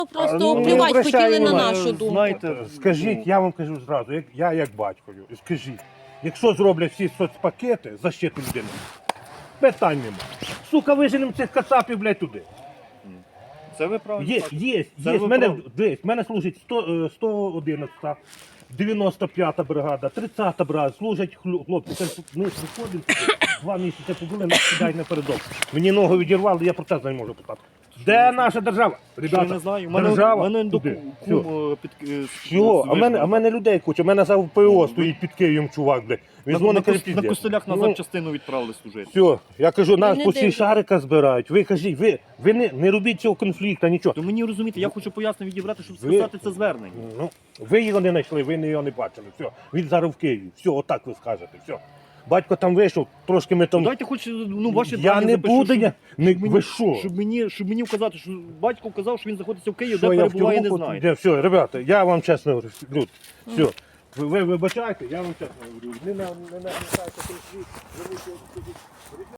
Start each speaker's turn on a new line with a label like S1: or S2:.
S1: Просто
S2: Ну,
S1: плювати
S2: обращай
S1: хотіли на
S2: увагу.
S1: нашу думку.
S3: Знаєте,
S2: Скажіть, я вам кажу зразу, я як батько, скажіть, якщо зроблять всі соцпакети защиту людини, питань нема. Сука, виженемо цих кацапів, блядь, туди.
S3: це ви правильно
S2: Є,
S3: кажете.
S2: є,
S3: Це
S2: є.
S3: ви
S2: Мене,
S3: праві.
S2: дивись, мене служить 111-та, 95-та бригада, 30-та бригада, служать хлопці. Це ми приходимо, 2 місяці побули, нас кидають напередок. Мені ногу відірвали, я протез не можу питати. Де наша держава?
S3: Що я
S2: Ребята,
S3: не знаю.
S2: держава
S3: Мене
S2: туди.
S3: кум
S2: Всього, а мене людей куча, у мене за ПО стоїть під Києвом чувак, блядь. Він дзвонить, каже,
S3: на
S2: піздець.
S3: костелях
S2: Ну,
S3: назад частину відправили служити.
S2: все, я кажу, нас
S1: не
S2: по всі
S1: дивляться.
S2: шарика збирають. Ви кажіть, ви не робіть цього конфлікту, нічого.
S3: То мені розумієте, я хочу пояснення відібрати, щоб
S2: Ви-
S3: сказати це звернення.
S2: Ну, ви його не знайшли, ви його не бачили. Все, він зараз в Києві. Все, отак ви скажете. Все. Батько там вийшов, трошки ми там.
S3: Дайте хоч ваші
S2: Я
S3: дані
S2: не
S3: запишу,
S2: буду,
S3: щоб-
S2: не,
S3: щоб мені-
S2: ви що?
S3: Щоб мені вказати, що батько вказав, що він знаходиться в Києві,
S2: Що
S3: де
S2: я в
S3: перебуває, не
S2: тюрму
S3: знає.
S2: хочу? Все, ребята, я вам чесно говорю, Люд, все. Ви вибачайте, я вам чесно говорю. Не нагнітайте конфлікт,